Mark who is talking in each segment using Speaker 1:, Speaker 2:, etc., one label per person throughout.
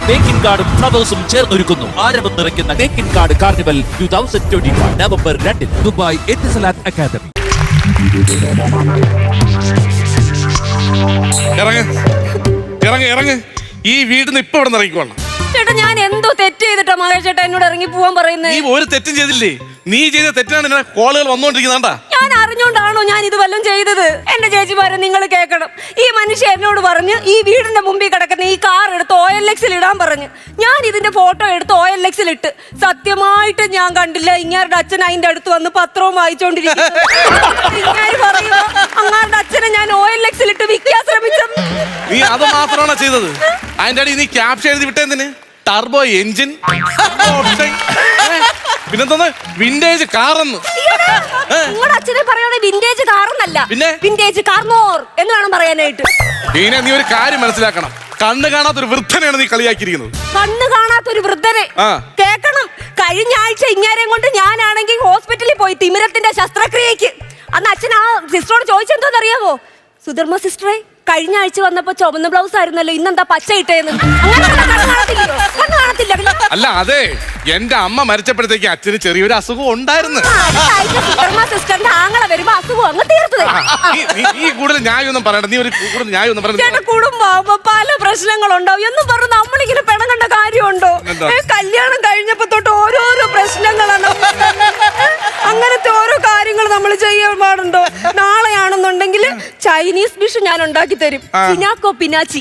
Speaker 1: തേക്കിൻ കാർഡും ഫ്ലവേഴ്സും ചേർന്നൊരുക്കുന്നു ആരവം നിറയ്ക്കുന്ന Thekkinkaad carnival 2021 November 2 Dubai Etisalat academy.
Speaker 2: ഇറങ്ങ് ഈ വീടിന് ഇപ്പൊ ഇവിടെ ഇറങ്ങിക്കോളാം.
Speaker 3: ചേട്ടാ ഞാൻ എന്തോ തെറ്റ് ചെയ്തിട്ടാ മഹേഷ് ചേട്ടാ എന്നോട് ഇറങ്ങി പോവാൻ പറയുന്നത്?
Speaker 2: നീ ഒരു തെറ്റും ചെയ്തില്ലേ? നീ ചെയ്ത തെറ്റാണ് ഇങ്ങനെ കോളുകൾ വന്നോണ്ടിരിക്കുന്നാണ്ടാ.
Speaker 3: ഞാൻ അറിഞ്ഞോണ്ടാണോ ഞാൻ ഇത് വല്ലതും ചെയ്തത്? എന്റെ ചേച്ചിമാരെ നിങ്ങൾ കേൾക്കണം. ഈ മനുഷ്യൻ എന്നോട് പറഞ്ഞ് ഈ വീടിന്റെ മുമ്പിൽ കിടക്കുന്ന ഈ കാർ എടുത്ത് OLX-ൽ ഇടാൻ പറഞ്ഞു. ഞാൻ ഇതിന്റെ ഫോട്ടോ എടുത്ത് OLX-ൽ ഇട്ട്. സത്യമായിട്ട് ഞാൻ കണ്ടില്ല ഇങ്ങാരുടെ അച്ഛൻ അതിന്റെ അടുത്ത് വന്ന് പത്രവും വായിച്ചോണ്ടിരിക്കുന്നു. ഇങ്ങനെ പറയുമ്പോ അങ്ങാരുടെ അച്ഛനെ ഞാൻ OLX-ൽ ഇട്ട് വിൽക്കാൻ ശ്രമിച്ചത്.
Speaker 2: നീ അത് മാത്രമാണോ ചെയ്തത്? അതിന്റെ അടി നീ ക്യാപ്ഷൻ എഴുതി വിട്ടെന്തിന്? ടർബോ എഞ്ചിൻ, പിന്നെന്താ വിന്റേജ് കാറെന്ന്.
Speaker 3: നിങ്ങളുടെ അച്ഛനെ പറയണേ വിന്റേജ് കാറെന്നല്ല,
Speaker 2: പിന്നെ
Speaker 3: വിന്റേജ് കാർമോർ എന്ന് വേണം പറയാനായിട്ട്.
Speaker 2: നീ ഒരു കാര്യം മനസ്സിലാക്കണം. കണ്ണ് കാണാത്തൊരു വൃദ്ധനെയാണ് നീ കളിയാക്കിയിരിക്കുന്നത്.
Speaker 3: കണ്ണ് കാണാത്തൊരു വൃദ്ധനെ കേക്കണം. കഴിഞ്ഞ ആഴ്ച ഇങ്ങാരെയും കൊണ്ട് ഞാനാണെങ്കിൽ ഹോസ്പിറ്റലിൽ പോയി തിമിരത്തിന്റെ ശസ്ത്രക്രിയക്ക്. അന്ന് അച്ഛൻ ആ സിസ്റ്ററോട് ചോദിച്ചെന്തോന്നറിയാമോ? സുധർമ്മ സിസ്റ്ററെ, കഴിഞ്ഞ ആഴ്ച വന്നപ്പോ ചുവന്ന ബ്ലൗസ് ആയിരുന്നല്ലോ, ഇന്നെന്താ പച്ച ഇട്ടേന്ന്.
Speaker 2: അല്ല അതെ, എന്റെ അമ്മ മരിച്ചപ്പോഴത്തേക്ക് അച്ഛന് ചെറിയൊരു അസുഖം ഉണ്ടായിരുന്നു.
Speaker 3: സിസ്റ്ററിന്റെ ആങ്ങളെ വരുമ്പോ അസുഖം അങ്ങ് തീർത്തത്.
Speaker 2: നീ കൂടുതൽ ന്യായമൊന്നും പറയണ്ട. നീ ഒരു കൂടുതൽ ന്യായമൊന്നും പറയണ്ട.
Speaker 3: കുടുംബമാകുമ്പോ പല പ്രശ്നങ്ങളുണ്ടാവും എന്ന് പറഞ്ഞ് നമ്മളിങ്ങനെ പിണങ്ങേണ്ട കാര്യമുണ്ടോ? കല്യാണം കഴിഞ്ഞപ്പോ തൊട്ട് ഓരോരോ പ്രശ്നങ്ങളാണ്. അങ്ങനത്തെ ഓരോ കാര്യങ്ങൾ നമ്മൾ ചെയ്യാൻ പാടുണ്ടോ? നാളെയാണെന്നുണ്ടെങ്കിൽ ചൈനീസ് ഡിഷ് ഞാൻ ഉണ്ടാക്കി തരും. ചിനാക്കോ പിനാച്ചി.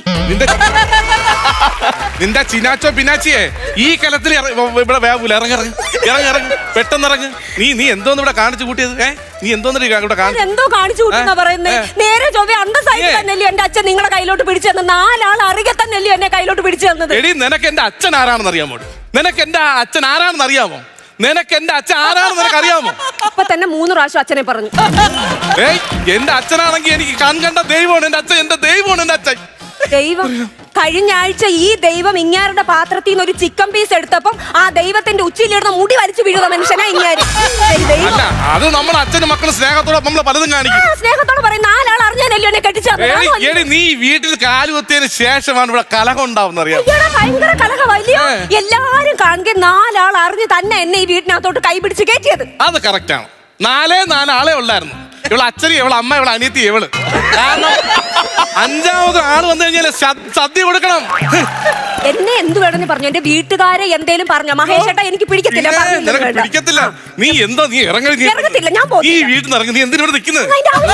Speaker 2: നിന്റെ ചിനാച്ചോ പിനാച്ചിയെ ഈ കലത്തിൽ ഇവിടെ വേവൂല. ഇറങ്ങി പെട്ടെന്ന് ഇറങ്ങ്. നീ എന്തോന്ന് ഇവിടെ കാണിച്ചു കൂട്ടിയത്? നീ എന്തോന്ന് ഇവിടെ
Speaker 3: എന്തോ കാണിച്ചു കൂട്ടുന്ന പറയുന്നത്? നേരെ ചൊവ്വ അന്തസ്സായിട്ട് തന്നെയല്ലോ എന്റെ അച്ഛൻ നിങ്ങളെ കയ്യിലോട്ട് പിടിച്ചു തന്നത്. 4 ആൾ അറിയ തന്നെയല്ലോ എന്നെ കയ്യിലോട്ട് പിടിച്ചു തന്നത്.
Speaker 2: എടി, നിനക്ക് എന്റെ അച്ഛൻ ആരാണെന്ന് അറിയാമോ? നിനക്ക് എന്റെ അച്ഛൻ ആരാണെന്ന് അറിയാമോ? നിനക്ക് എന്റെ അച്ഛൻ ആരാണെന്ന് നിനക്ക് അറിയാമോ?
Speaker 3: അപ്പൊ തന്നെ 3 പ്രാവശ്യം അച്ഛനെ പറഞ്ഞു.
Speaker 2: എന്റെ അച്ഛനാണെങ്കിൽ എനിക്ക് കണ്ട ദൈവമാണ് എന്റെ അച്ഛൻ. എന്റെ ദൈവമാണ് എന്റെ അച്ഛൻ.
Speaker 3: ദൈവം? കഴിഞ്ഞ ആഴ്ച ഈ ദൈവം ഇങ്ങാരുടെ പാത്രത്തിൽ നിന്ന് ഒരു ചിക്കൻ പീസ് എടുത്തപ്പം ആ ദൈവത്തിന്റെ ഉച്ചയിലിടുന്ന മുടി വലിച്ചു വീഴുന്ന മനുഷ്യനാ ഇങ്ങാര്.
Speaker 2: അല്ല, അത് നമ്മുടെ അച്ഛനും മക്കളും സ്നേഹത്തോടെ നമ്മളെ പലതും കാണിക്കും.
Speaker 3: സ്നേഹത്തോടെ പറയും 4 ആൾ അറിഞ്ഞാലല്ലോ എന്നെ കെട്ടിച്ചത്.
Speaker 2: നീ വീട്ടിൽ കാലുകുത്തിയതിന് ശേഷമാണ് ഇവിടെ കലഹം ഉണ്ടാവുന്ന അറിയാം.
Speaker 3: ഭയങ്കര കലഹമല്ലയോ? എല്ലാരും കാണുക 4 ആൾ അറിഞ്ഞ് തന്നെ എന്നെ ഈ വീട്ടിനകത്തോട്ട് കൈപിടിച്ച് കയറ്റിയത്.
Speaker 2: അത് കറക്റ്റാണ്. 4 ആളെ ഉള്ളായിരുന്നു. ഇവളെ അച്ഛനും ഇവളെ അമ്മ, ഇവളെ അനിയത്തി, ഇവള്. കാരണം 5ാമത് ആള് വന്നു കഴിഞ്ഞാൽ സദ്യ കൊടുക്കണം.
Speaker 3: എന്നെ എന്ത് വേണമെന്ന് പറഞ്ഞു? എന്റെ വീട്ടുകാരെ എന്തേലും പറഞ്ഞ മഹേഷ് ഏട്ടാ എനിക്ക് പിടിക്കത്തില്ല.
Speaker 2: പിടിക്കത്തില്ല. നീ എന്തോ നീ
Speaker 3: ഇറങ്ങത്തില്ല. ഞാൻ
Speaker 2: ഈ വീട്ടിൽ നിന്ന് ഇറങ്ങി. നീ എന്തിനോട് നിൽക്കുന്നത്?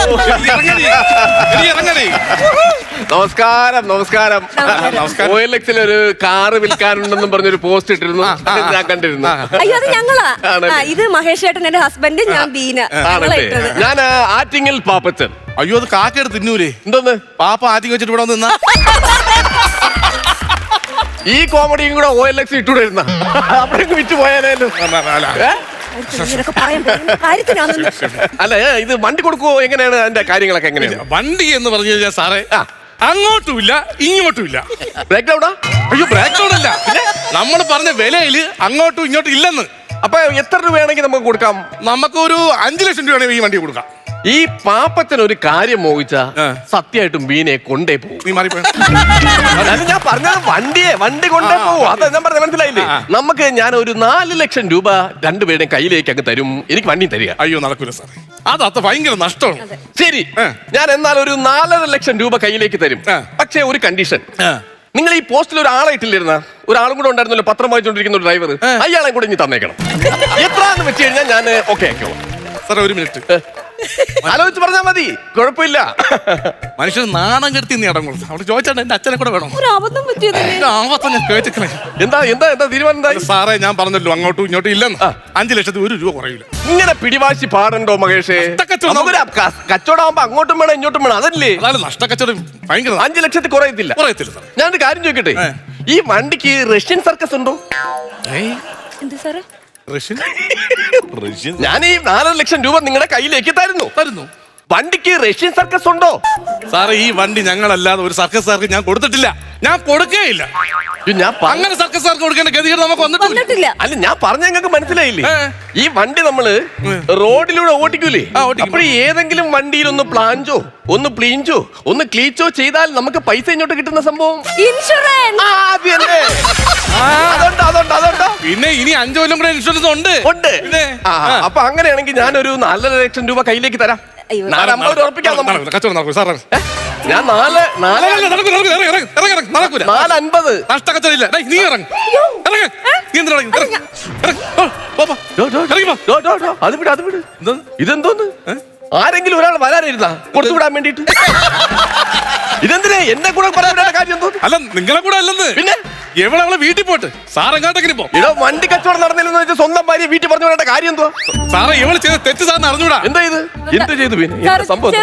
Speaker 4: നമസ്കാരം. നമസ്കാരം. OLX-ൽ ഒരു കാറ് വിൽക്കാനുണ്ടെന്നും പറഞ്ഞൊരു പോസ്റ്റ് ഇട്ടിരുന്നു. ഞാൻ കണ്ടിരുന്നു.
Speaker 3: അയ്യോ, അത് ഞങ്ങളാ. ഇത് മഹേഷ് ഏട്ടൻ, എന്റെ ഹസ്ബൻഡ്, ഞാൻ ബീന.
Speaker 4: ഞാൻ ആറ്റിങ്ങൽ പാപ്പച്ചൻ.
Speaker 2: അയ്യോ, അത് കാക്കെടുത്ത് തിന്നൂലേ?
Speaker 4: എന്തോന്ന്
Speaker 2: പാപ്പ ആറ്റിങ് വെച്ചിട്ട് ഇവിടെ നിന്നാ?
Speaker 4: ഈ കോമഡിയും കൂടെ OLX ഇട്ടുകൊണ്ടിരുന്ന അവിടെ വിറ്റ് പോയാലോ? അല്ല, ഇത് വണ്ടി കൊടുക്കുവോ? എങ്ങനെയാണ് അതിന്റെ കാര്യങ്ങളൊക്കെ? എങ്ങനെയാണ്
Speaker 2: വണ്ടി എന്ന് പറഞ്ഞു കഴിഞ്ഞാൽ സാറേ, അങ്ങോട്ടുമില്ല ഇങ്ങോട്ടുമില്ല.
Speaker 4: ബ്രേക്ക് ഡൗണാ?
Speaker 2: അയ്യോ, ബ്രേക്ക് ഡൗൺ അല്ല. നമ്മൾ പറഞ്ഞ വിലയില് അങ്ങോട്ടും ഇങ്ങോട്ടും ഇല്ലെന്ന്.
Speaker 4: അപ്പൊ എത്ര രൂപയാണെങ്കിൽ നമുക്ക് കൊടുക്കാം?
Speaker 2: നമുക്കൊരു 5 ലക്ഷം രൂപയാണെങ്കിൽ ഈ വണ്ടി കൊടുക്കാം.
Speaker 4: ഈ പാപ്പച്ചൻ ഒരു കാര്യം മോഹിച്ച സത്യമായിട്ടും ബീനെ കൊണ്ടേ പോകും.
Speaker 2: നീ മാറിപ്പോയി.
Speaker 4: ഞാൻ പറഞ്ഞത് വണ്ടി കൊണ്ടേ പോകും. അതാ ഞാൻ പറഞ്ഞത്, മനസ്സിലായില്ലേ? നമുക്ക് ഞാൻ ഒരു 4 ലക്ഷം രൂപ രണ്ടുപേരുടെയും കയ്യിലേക്ക് അങ്ങ് തരും. എനിക്ക് വണ്ടി തരിക.
Speaker 2: അയ്യോ, നടക്കൂല സാർ. അത് ഭയങ്കര നഷ്ടമാണ്.
Speaker 4: ശരി, ഞാൻ എന്നാൽ ഒരു 4.5 ലക്ഷം രൂപ കയ്യിലേക്ക് തരും. പക്ഷേ ഒരു കണ്ടീഷൻ. നിങ്ങൾ ഈ പോസ്റ്റിൽ ഒരാളെ ഇട്ടില്ലിരുന്ന ഒരാളും കൂടെ ഉണ്ടായിരുന്നല്ലോ, പത്രം വായിച്ചോണ്ടിരിക്കുന്ന ഒരു ഡ്രൈവർ. അയാളെ കൂടെ ഇനി തന്നേക്കണം. എത്രയാണെന്ന് വെച്ച് കഴിഞ്ഞാൽ ഞാൻ ഓക്കെ ആക്കിയോളാം.
Speaker 2: സാറേ, ഒരു മിനിറ്റ്
Speaker 4: ആലോചിച്ച് പറഞ്ഞാൽ മതി, കുഴപ്പമില്ല.
Speaker 2: മനുഷ്യൻ നാണം കെടുത്തി നീ അടങ്ങുള്ളൂ. അവിടെ ചോദിച്ചാൽ എന്റെ അച്ഛനെ കൂടെ വേണം. ഞാൻ കേട്ടിക്കളെ.
Speaker 4: എന്താ തീരുമാനം എന്താ?
Speaker 2: സാറേ, ഞാൻ പറഞ്ഞല്ലോ അങ്ങോട്ടും ഇങ്ങോട്ടും ഇല്ലെന്ന്. 5 ലക്ഷത്തിൽ 1 രൂപ കുറയില്ല.
Speaker 4: ഇങ്ങനെ പിടിവാശി പാടണ്ടോ മഹേഷേ? കച്ചവടമാകുമ്പോ അങ്ങോട്ടും വേണം ഇങ്ങോട്ടും വേണം, അതല്ലേ?
Speaker 2: നഷ്ടക്കച്ചവടം ഭയങ്കര.
Speaker 4: 5 ലക്ഷത്തിൽ കുറയത്തില്ല. ഞാനൊരു കാര്യം ചോദിക്കട്ടെ, ഈ വണ്ടിക്ക് റഷ്യൻ സർക്കസ് ഉണ്ടോ? ഞാൻ ഈ 4 ലക്ഷം രൂപ നിങ്ങളുടെ കയ്യിലേക്ക് തരുന്നു. വണ്ടിക്ക് റഷ്യൻ സർക്കസ് ഉണ്ടോ?
Speaker 2: സാറേ, ഈ വണ്ടി ഞങ്ങളല്ലാതെ ഒരു സർക്കസുകാർക്ക് ഞാൻ കൊടുത്തിട്ടില്ല. ഞാൻ കൊടുക്കേയില്ല. അങ്ങനെ സർക്കസുകാർക്ക് കൊടുക്കേണ്ട ഗതികേട് നമുക്ക് വന്നിട്ടില്ല.
Speaker 4: അല്ല, ഞാൻ പറഞ്ഞ നിങ്ങൾക്ക് മനസ്സിലായില്ലേ? ഈ വണ്ടി നമ്മള് റോഡിലൂടെ ഓടിക്കൂലേ? അപ്പോൾ ഏതെങ്കിലും വണ്ടിയിൽ ഒന്ന് പ്ലാഞ്ചോ, ഒന്ന് പ്ലീഞ്ചോ, ഒന്ന് ക്ലീച്ചോ ചെയ്താൽ നമുക്ക് പൈസ ഇങ്ങോട്ട് കിട്ടുന്ന സംഭവം
Speaker 3: ഇൻഷുറൻസ്.
Speaker 2: പിന്നെ ഇനി 5 കൊല്ലം കൂടെ ഇൻഷുറൻസ് ഉണ്ട്. പിന്നെ
Speaker 4: അപ്പൊ അങ്ങനെയാണെങ്കിൽ ഞാനൊരു 4.5 ലക്ഷം രൂപ കയ്യിലേക്ക് തരാം. 450 ഉറപ്പിക്കാം നമുക്ക്.
Speaker 2: കച്ചവടം നടക്കും സാറേ.
Speaker 4: ഞാൻ 450
Speaker 2: നഷ്ടക്കച്ചവടം ഇല്ല. നീ ഇറങ്ങ്. ഇറങ്ങ്. നീ എന്തിനാ ഇറങ്ങ്?
Speaker 4: അത് വിട്, അത് വിട്. ഇതെന്തോന്ന്? ആരെങ്കിലും ഒരാൾ വരാനിരുന്നാ കൊടുത്തുവിടാൻ വേണ്ടിട്ട്? ഇതെന്തിനാ എന്നെ കൂടെ പറയാൻ കാര്യം എന്തോ?
Speaker 2: അല്ല നിങ്ങളെ കൂടെ അല്ലെന്ന്. പിന്നെ എവളെ വീട്ടിൽ പോട്ട് സാർ എങ്ങോട്ടെങ്കിലും പോ.
Speaker 4: ഇടോ വണ്ടി കച്ചവടം നടന്നില്ലെന്ന് വെച്ചാൽ സ്വന്തം ഭാര്യ വീട്ടിൽ പറഞ്ഞു വിടേണ്ട കാര്യം എന്തോ?
Speaker 2: സാറേ ഇവള് ചെയ്ത തെറ്റ് സാറിന് അറിഞ്ഞൂടാ.
Speaker 4: എന്താ ഇത്? എന്ത് ചെയ്തു പിന്നെ? സംഭവം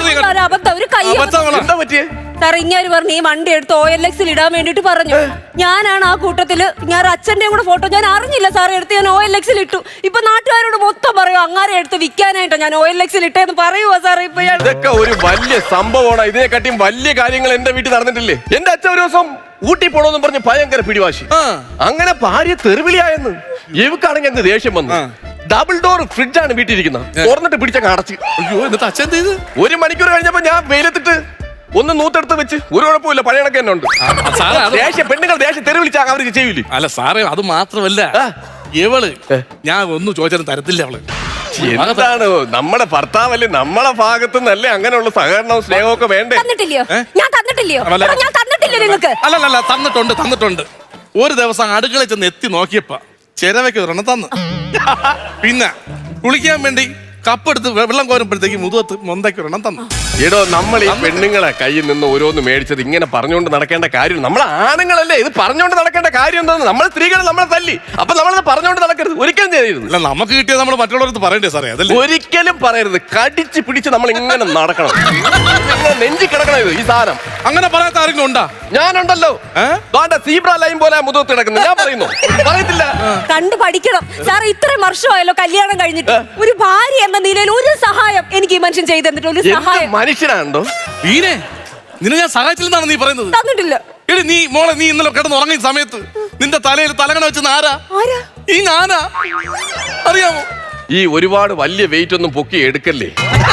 Speaker 4: എന്താ പറ്റിയേ?
Speaker 3: സാർ ഇങ്ങനെ പറഞ്ഞു ഈ വണ്ടി എടുത്ത് OLX-ൽ ഇടാൻ വേണ്ടിട്ട് പറഞ്ഞു. ഞാനാണ് ആ കൂട്ടത്തില് ഞാൻ അച്ഛന്റെയും കൂടെ ഫോട്ടോ ഞാൻ അറിഞ്ഞില്ല സാർ എടുത്ത് ഞാൻ OLX-ൽ ഇട്ടു. ഇപ്പൊ നാട്ടുകാരോട് മൊത്തം പറയൂ അങ്ങാരെ എടുത്ത് വിൽക്കാനായിട്ടോ ഞാൻ OLX-ൽ ഇട്ടേന്ന് പറയുവോ സാർ? ഇപ്പൊ
Speaker 4: ഇതൊക്കെ ഒരു വലിയ സംഭവമാണ്. ഇതിനെക്കാട്ടിയും വലിയ കാര്യങ്ങൾ എന്റെ വീട്ടിൽ നടന്നിട്ടില്ലേ? എന്റെ അച്ഛൻ ഒരു ദിവസം ഊട്ടി പോണോന്നും പറഞ്ഞ് ഭയങ്കര പിടിവാശി. അങ്ങനെ ഭാര്യ തെറിവിളിയായെന്ന്. ഇവക്കാണെങ്കിൽ അങ്ങ് ദേഷ്യം വന്നു. ഡബിൾ ഡോർ ഫ്രിഡ്ജാണ് വീട്ടിലിരിക്കുന്നത്. തുറന്നിട്ട് പിടിച്ചങ്ങ് അടച്ച്.
Speaker 2: അയ്യോ എന്നിട്ട് അച്ഛൻ ചെയ്ത്
Speaker 4: 1 മണിക്കൂർ കഴിഞ്ഞപ്പോ ഞാൻ വെയിലത്തിട്ട് ഒന്ന് നൂത്തെടുത്ത് വെച്ച് ഒരു കുഴപ്പമില്ല, പഴയ കണക്ക് തന്നെ ഉണ്ട്. പെണ്ണുങ്ങൾ ദേഷ്യം തെറിവിളിച്ചാൽ അവർ ചെയ്യൂലേ?
Speaker 2: അല്ല സാറേ അത് മാത്രമല്ല ഇവള് ഞാൻ ഒന്നും ചോദിച്ചാലും തരത്തില്ല. അവള്
Speaker 4: എന്താണ് നമ്മുടെ ഭർത്താവല്ലേ, നമ്മളെ ഭാഗത്തു നിന്നല്ലേ അങ്ങനെയുള്ള സഹകരണവും സ്നേഹവും ഒക്കെ വേണ്ടേ?
Speaker 3: ഞാൻ തന്നിട്ടില്ലയോ? ഞാൻ തന്നിട്ടില്ല നിങ്ങൾക്ക്?
Speaker 2: അല്ലല്ല തന്നിട്ടുണ്ട്. ഒരു ദിവസം അടുക്കളയിൽ ചെന്ന് എത്തി നോക്കിയപ്പോ ചിരവയ്ക്ക് ഒരെണ്ണം തന്നു. പിന്നെ കുളിക്കാൻ വേണ്ടി കപ്പെടുത്ത് വെള്ളം കോരുമ്പോഴത്തേക്ക് മുതുകത്ത് മൊന്തയ്ക്ക് ഒരെണ്ണം തന്നു.
Speaker 4: എടോ നമ്മൾ ഈ പെണ്ണുങ്ങളെ കയ്യിൽ നിന്ന് ഓരോന്ന് മേടിച്ചത് ഇങ്ങനെ പറഞ്ഞുകൊണ്ട് നടക്കേണ്ട കാര്യം? നമ്മൾ ആണുങ്ങളല്ലേ, ഇത് പറഞ്ഞുകൊണ്ട് നടക്കേണ്ട കാര്യം എന്താന്ന്? നമ്മൾ സ്ത്രീകൾ നമ്മളെ തല്ലി, അപ്പൊ നമ്മളത് പറഞ്ഞുകൊണ്ട് നടക്കരുത്. ഒരിക്കലും ചെയ്യരുത്.
Speaker 2: അല്ല നമുക്ക് കിട്ടിയത് നമ്മൾ മറ്റുള്ളവർക്ക് പറയണ്ടേ സാറേ? അതല്ലേ
Speaker 4: ഒരിക്കലും പറയരുത്. കടിച്ച് പിടിച്ച് നമ്മൾ ഇങ്ങനെ നടക്കണം, നെഞ്ചി കിടക്കണം. ഇത് ഈ സാധനം
Speaker 2: അങ്ങനെ പറയാത്ത ആരെങ്കിലും ഉണ്ടാ?
Speaker 4: ഞാനുണ്ടല്ലോ. സീബ്ര ലൈൻ പോലെ മുതുകത്ത് കിടക്കുന്നത് ഞാൻ പറയുന്നു. പറയത്തില്ല.
Speaker 3: കണ്ടു പഠിക്കണം സാർ. ഇത്രയും വർഷമായല്ലോ കല്യാണം കഴിഞ്ഞിട്ട്. ഒരു ഭാര്യ എന്ന നിലയിൽ ഒരു സഹായം എനിക്ക് ഈ മനുഷ്യൻ ചെയ്തു തന്നിട്ട് ഒരു സഹായം.
Speaker 4: മനുഷ്യനാണോ
Speaker 2: നിന്നെ ഞാൻ സഹായിച്ചില്ലെന്നാണ് നീ പറയുന്നത്?
Speaker 3: തന്നിട്ടില്ല.
Speaker 2: എടി നീ ഇന്നലെ കിടന്ന് ഉറങ്ങിയ സമയത്ത് നിന്റെ തലയിൽ തലകണ വെച്ചെന്ന് ആരാ? ഈ ഞാനാ. അറിയാമോ?
Speaker 4: ഈ ഒരുപാട് വലിയ വെയിറ്റ് ഒന്നും പൊക്കി എടുക്കല്ലേ.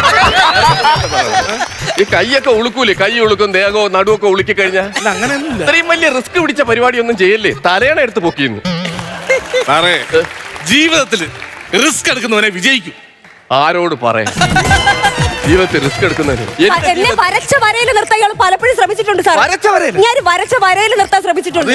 Speaker 4: ഈ കൈയൊക്കെ ഉളുക്കൂലേ? കൈ ഉളുക്കും, ദേഹവും നടുവൊക്കെ ഉളുക്കി കഴിഞ്ഞാൽ
Speaker 2: അങ്ങനെയൊന്നുമില്ല.
Speaker 4: ഇത്രയും വലിയ റിസ്ക് പിടിച്ച പരിപാടി ഒന്നും ചെയ്യല്ലേ. തലയണ എടുത്ത് പൊക്കിയിരുന്നു.
Speaker 2: സാറേ ജീവിതത്തിൽ റിസ്ക് എടുക്കുന്നവനെ വിജയിക്കും.
Speaker 4: ആരോട് പറയാ? ജീവിതത്തിൽ റിസ്ക് എടുക്കുന്നതിന്
Speaker 3: എന്നെ വരച്ച വരയിൽ നിർത്താൻ ഇയാൾ പലപ്പോഴും ശ്രമിച്ചിട്ടുണ്ട് സാർ. ഞാൻ വരച്ച വരയിൽ നിർത്താൻ ശ്രമിച്ചിട്ടുണ്ട്.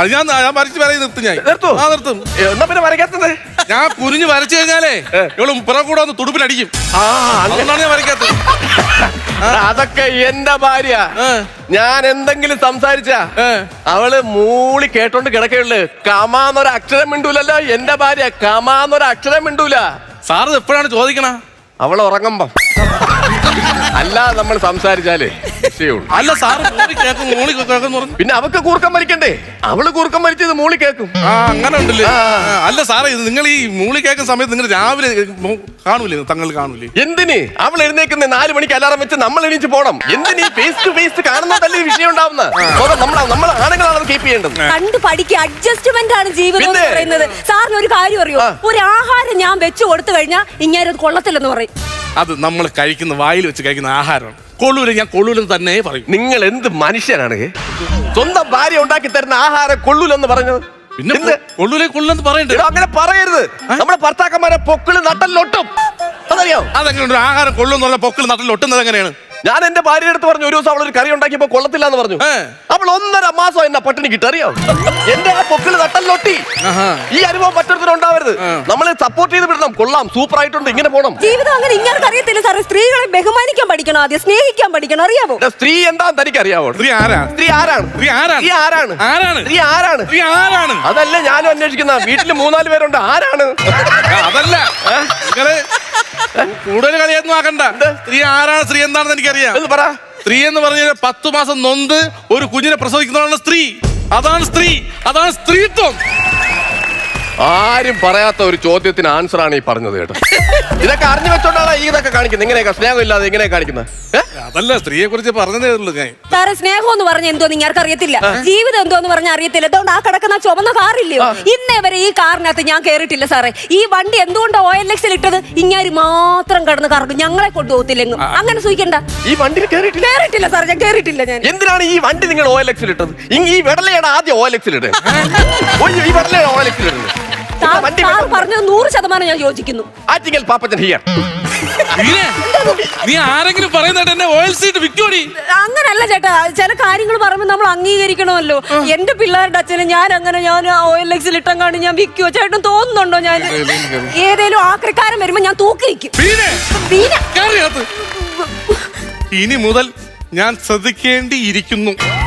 Speaker 2: നിർത്തും.
Speaker 4: എന്നാ പിന്നെ വരയ്ക്കാത്തത്?
Speaker 2: ഞാൻ കുനിഞ്ഞ് വരച്ചു കഴിഞ്ഞാലേ ഇവള് പുറകെ കൂടെ ഒന്ന് തുടുപ്പിലടിക്കും. അതുകൊണ്ടാണ് ഞാൻ വരയ്ക്കാത്തത്.
Speaker 4: അതൊക്കെ എന്റെ ഭാര്യ. ഞാൻ എന്തെങ്കിലും സംസാരിച്ച അവള് മൂളി കേട്ടോണ്ട് കിടക്കുള്ളു. കമാന്നൊരു അക്ഷരം മിണ്ടൂലല്ലോ എന്റെ ഭാര്യ. കമാന്നൊരു അക്ഷരം മിണ്ടൂല.
Speaker 2: സാറ് എപ്പോഴാണ് ചോദിക്കണ?
Speaker 4: അവൾ ഉറങ്ങുമ്പം. അല്ല നമ്മൾ സംസാരിച്ചാലേ
Speaker 2: അല്ല സാറ്
Speaker 4: പിന്നെ അവക്ക് കൂർക്കം വലിക്കണ്ടേ? അവള് കൂർക്കം വലിച്ചത് മൂളി കേൾക്കും.
Speaker 2: അങ്ങനെ ഉണ്ടല്ലേ? അല്ല സാറേ ഇത് നിങ്ങൾ ഈ മൂളി കേൾക്കുന്ന സമയത്ത് നിങ്ങൾ രാവിലെ കാണൂലേ? തങ്ങൾ കാണൂലേ?
Speaker 4: എന്തിന്? അവൾ എഴുന്നേക്കുന്ന 4 മണിക്ക് അലാറം വെച്ച് നമ്മൾ എണീച്ച് പോണം. എന്തിന് ഫേസ് ടു ഫേസ് കാണുന്നതല്ലേ വിഷയം ഉണ്ടാവുന്ന? നമ്മൾ ആണുങ്ങളാണ് കീപ്പ് ചെയ്യേണ്ടത്.
Speaker 3: കണ്ടു പഠിക്കുക. അഡ്ജസ്റ്റ്മെന്റ് ആണ് ജീവിതം എന്ന് പറയുന്നത്. സാറിന് ഒരു കാര്യം അറിയോ? ഒരു ആഹാരം ഞാൻ വെച്ച് കൊടുത്തു കഴിഞ്ഞാൽ ഇങ്ങനെ അത് കൊള്ളത്തില്ലെന്ന് പറയും.
Speaker 2: അത് നമ്മൾ കഴിക്കുന്ന വായിൽ വെച്ച് കഴിക്കുന്ന ആഹാരമാണ്. കൊള്ളൂല, ഞാൻ കൊള്ളൂലെന്ന് തന്നെ പറയും.
Speaker 4: നിങ്ങൾ എന്ത് മനുഷ്യനാണ്? സ്വന്തം ഭാര്യ ഉണ്ടാക്കി തരുന്ന ആഹാരം കൊള്ളൂലെന്ന് പറഞ്ഞത്?
Speaker 2: പിന്നെ കൊള്ളൂലെന്ന് പറയണ്ടേ?
Speaker 4: അങ്ങനെ പറയരുത്. നമ്മുടെ ഭർത്താക്കന്മാരെ പൊക്കിള് നട്ടല്ലൊട്ടും. അതറിയോ?
Speaker 2: അതെങ്ങനെ ആഹാരം കൊള്ളുന്ന പറഞ്ഞ പൊക്കിള് നട്ടല്ലൊട്ടുന്നത് എങ്ങനെയാണ്?
Speaker 4: ഞാൻ എന്റെ ഭാര്യയുടെ അടുത്ത് പറഞ്ഞു, ഒരു ദിവസം അവളൊരു കറി ഉണ്ടാക്കിയപ്പോ കൊള്ളത്തില്ല എന്ന് പറഞ്ഞു. അവൾ 1.5 മാസം എന്നെ പട്ടിണി കിട്ടും. അറിയോ? എന്റെ ആ പൊക്കിള് നട്ടല്ലൊട്ടി. ഈ അനുഭവം മറ്റൊരുത്തരും ഉണ്ടാവരുത്. നമ്മള് സപ്പോർട്ട് ചെയ്ത് വിടണം. കൊള്ളാം, സൂപ്പർ ആയിട്ടുണ്ട്, ഇങ്ങനെ പോണം.
Speaker 3: ജീവിതം അങ്ങനെ ഇങ്ങനെ അറിയത്തില്ല സാറേ. സ്ത്രീകളെ ബഹുമാനിക്കാൻ പഠിക്കണം, ആദ്യം സ്നേഹിക്കാൻ പഠിക്കണം. അറിയാമോ?
Speaker 4: സ്ത്രീ എന്താന്ന് തനിക്ക് അറിയാവോ?
Speaker 2: സ്ത്രീ ആരാണ്?
Speaker 4: അതല്ല ഞാനും അന്വേഷിക്കുന്ന. വീട്ടില് 3-4 പേരുണ്ട്. ആരാണ്?
Speaker 2: അതല്ല കൂടുതൽ കളിയൊന്നും ആക്കണ്ട. സ്ത്രീ ആരാണ്, സ്ത്രീ എന്താണെന്ന് എനിക്കറിയാം. സ്ത്രീ എന്ന് പറഞ്ഞാൽ 10 മാസം നൊന്ത് ഒരു കുഞ്ഞിനെ പ്രസവിക്കുന്നതാണ് സ്ത്രീ. അതാണ് സ്ത്രീ, അതാണ് സ്ത്രീത്വം.
Speaker 4: ആരും പറയാത്ത ഒരു ചോദ്യത്തിന് ആൻസർ ആണ് ഈ പറഞ്ഞത് കേട്ടോ. ഇതൊക്കെ അറിഞ്ഞു വെച്ചോണ്ടാണ് ഈ ഇതൊക്കെ കാണിക്കുന്നത്. ഇങ്ങനെയൊക്കെ സ്നേഹം ഇല്ലാതെ ഇങ്ങനെ കാണിക്കുന്നത്.
Speaker 2: അതല്ല സ്ത്രീയെ കുറിച്ച് പറഞ്ഞതേ ഉള്ളൂ.
Speaker 3: സാറേ സ്നേഹം എന്ന് പറഞ്ഞ എന്തോ നിങ്ങൾക്ക് അറിയത്തില്ല. ജീവിതം എന്തോന്ന് പറഞ്ഞാൽ അറിയത്തില്ല. അതുകൊണ്ട് ആ കിടക്കുന്ന ചുവന്ന കാറില്ലയോ, ഇന്നേ വരെ ഈ കാറിനകത്ത് ഞാൻ കേറിയിട്ടില്ല സാറേ. ഈ വണ്ടി എന്തുകൊണ്ട് OLX-ൽ ഇട്ടത്? ഇങ്ങനെ മാത്രം കടന്ന് കറങ്ങും, ഞങ്ങളെ കൊണ്ടുപോകത്തില്ലെങ്കിലും. അങ്ങനെ സൂചിക്കണ്ട.
Speaker 4: ഈ വണ്ടിയിൽ
Speaker 3: കേറിയിട്ടില്ല സാർ, ഞാൻ കേറിയിട്ടില്ല. ഞാൻ
Speaker 4: എന്തിനാണ് ഈ വണ്ടി നിങ്ങൾ OLX-ൽ ഇട്ടത്? ഈ വെടലയാണ് ആദ്യം OLX-ൽ ഇടുന്നത്. ഈ വെടലയാണ് OLX-ൽ ഇടുന്നത്.
Speaker 3: സാർ പറഞ്ഞത് 100% ഞാൻ യോജിക്കുന്നു.
Speaker 4: ആറ്റിങ്ങൽ പാപ്പച്ചൻ ഹിയർ.
Speaker 2: നീ ആരെങ്കിലും പറയുന്നത് എന്നെ ഓയിൽ സീറ്റ് വിൽക്കോടി?
Speaker 3: അങ്ങനല്ല ചേട്ടാ, ചില കാര്യങ്ങൾ പറയുമ്പോൾ നമ്മൾ അംഗീകരിക്കണമല്ലോ. എന്റെ പിള്ളേരുടെ അച്ഛനെ ഞാൻ OLX ഇട്ടങ്ങാണ്ട് ഞാൻ വിൽക്കുവോ? ചേട്ടൻ തോന്നുന്നുണ്ടോ? ഞാൻ ഏതേലും ആക്രിക്കാരൻ വരുമ്പോ ഞാൻ തൂക്കിരിക്കും.
Speaker 2: ഇനി മുതൽ ഞാൻ ശ്രദ്ധിക്കേണ്ടിയിരിക്കുന്നു.